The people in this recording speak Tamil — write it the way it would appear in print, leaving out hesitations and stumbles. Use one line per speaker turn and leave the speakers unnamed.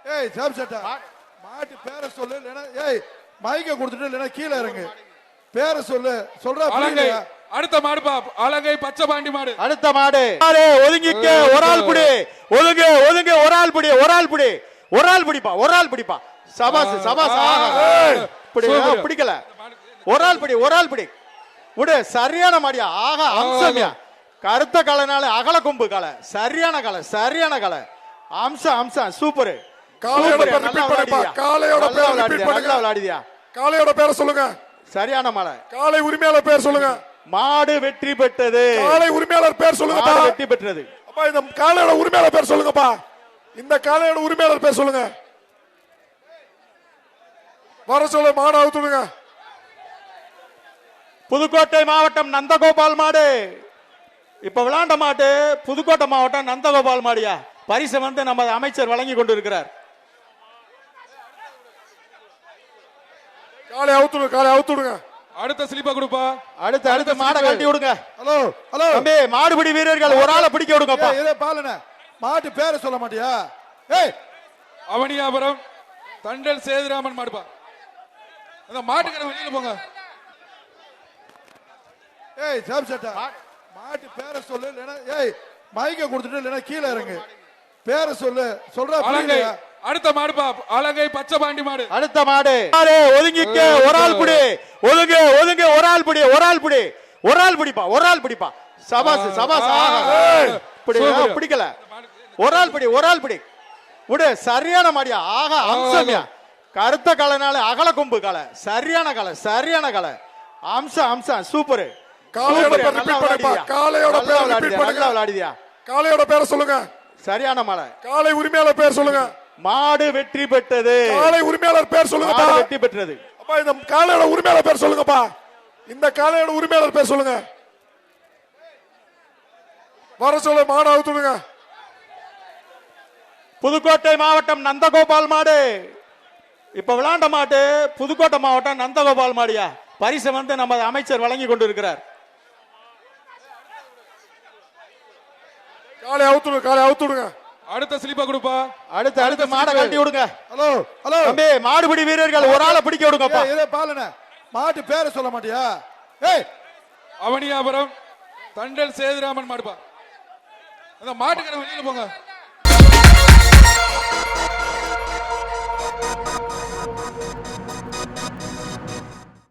ஏய் சாப் சட்டா மாட்டு பேரை சொல்லு இல்லனா ஏய் மைக்க கொடுத்துட்டு இல்லனா கீழ இறங்கு பேரை சொல்லு சொல்றா புரியலையா
அடுத்த மாடு பா அலங்கை பச்சை பாண்டி மாடு
அடுத்த மாடு ஒதுங்கிக்க ஒரு ஆள் புடி ஒதுங்க ஒதுங்க ஒரு ஆள் புடி ஒரு ஆள் புடி ஒரு ஆள் பிடிப்பா ஒரு ஆள் பிடிப்பா சபாஸ் சபாஸ் பிடிக்கல ஒரு ஆள் பிடி ஒரு ஆள் பிடி விடு சரியான மாடியா ஆக அம்சம்யா கருத்த கலைனால அகல கொம்பு கலை சரியான கலை சரியான கலை அம்சம் அம்சம் சூப்பர்
காளையோட பேர் ரிப்பீட் பண்ணுப்பா காளையோட பேர் ரிப்பீட் பண்ணுங்க
விளையாடியா
காளையோட பேரை சொல்லுங்க
சரியான மாலை
காளை உரிமையாளர் பேர் சொல்லுங்க
மாடு வெற்றி பெற்றது
காளை உரிமையாளர் பேர் சொல்லுங்கப்பா
வெற்றி பெற்றது
அப்பா இந்த காளையோட உரிமையாளர் பேர் சொல்லுங்கப்பா இந்த காளையோட உரிமையாளர் பேர் சொல்லுங்க வர சொல்ல மாடு அவுத்துடுங்க
புதுக்கோட்டை மாவட்டம் நந்தகோபால் மாடு இப்ப விளாண்ட மாட்டு புதுக்கோட்டை மாவட்டம் நந்தகோபால் மாடியா பரிசு வந்து நம்ம அமைச்சர் வழங்கி கொண்டிருக்கிறார்
காளை அவுத்துடுங்க
அடுத்த ஸ்லிப்பா கொடுப்பா
அடுத்து அடுத்து மாடை கட்டி விடுங்க
ஹலோ ஹலோ
தம்பி மாடுபிடி வீரர்கள் ஒரு ஆளை பிடிக்க விடுங்கப்பா
இதே பாலன மாட்டு பேரை சொல்ல மாட்டியா ஏய்
அவனியாபுரம் தண்டல் சேதுராமன் மாடுப்பா அந்த மாட்டுக்கிற வெளியில போங்க
ஏய் சாப் சட்டா மாட்டு பேரை சொல்லு இல்லனா ஏய் மைக்க கொடுத்துட்டு இல்லனா கீழ இறங்கு பேரை சொல்லு சொல்றா புரியலையா
அடுத்த மாடு பா அலங்கை பச்சை பாண்டி மாடு
அடுத்த மாடு ஒதுங்கிக்க ஒரு ஆள் புடி ஒதுங்க ஒதுங்க ஒரு ஆள் புடி ஒரு ஆள் புடி ஒரு ஆள் பிடிப்பா ஒரு ஆள் பிடிப்பா சபாஸ் சபாஸ் பிடிக்கல ஒரு ஆள் பிடி ஒரு ஆள் பிடி விடு சரியான மாடியா ஆக அம்சம்யா கருத்த கலைனால அகல கொம்பு கலை சரியான கலை சரியான கலை அம்சம் அம்சம் சூப்பர்
காளையோட பேர் ரிப்பீட் பண்ணுப்பா காளையோட பேர் ரிப்பீட் பண்ணுங்க
விளையாடியா
காளையோட பேரை சொல்லுங்க
சரியான மாலை
காளை உரிமையாளர் பேர் சொல்லுங்க
மாடு வெற்றி பெற்றது
காளை உரிமையாளர் பேர் சொல்லுங்கப்பா
வெற்றி பெற்றது
அப்பா இந்த காளையோட உரிமையாளர் பேர் சொல்லுங்கப்பா இந்த காளையோட உரிமையாளர் பேர் சொல்லுங்க வர சொல்ல மாடு அவுத்துடுங்க
புதுக்கோட்டை மாவட்டம் நந்தகோபால் மாடு இப்ப விளாண்ட மாட்டு புதுக்கோட்டை மாவட்டம் நந்தகோபால் மாடியா பரிசு வந்து நம்ம அமைச்சர் வழங்கி கொண்டிருக்கிறார்
காளை அவுத்துடுங்க
அடுத்த ஸ்லிப்பா கொடுப்பா
அடுத்து அடுத்து மாடை கட்டி விடுங்க
ஹலோ ஹலோ
தம்பி மாடுபிடி வீரர்கள் ஒரு ஆளை பிடிக்க விடுங்கப்பா
இதே பாலன மாட்டு பேரை சொல்ல மாட்டியா ஏய்
அவனியாபுரம் தண்டல் சேதுராமன் மாடுப்பா அந்த மாட்டுக்கிற வெளியில போங்க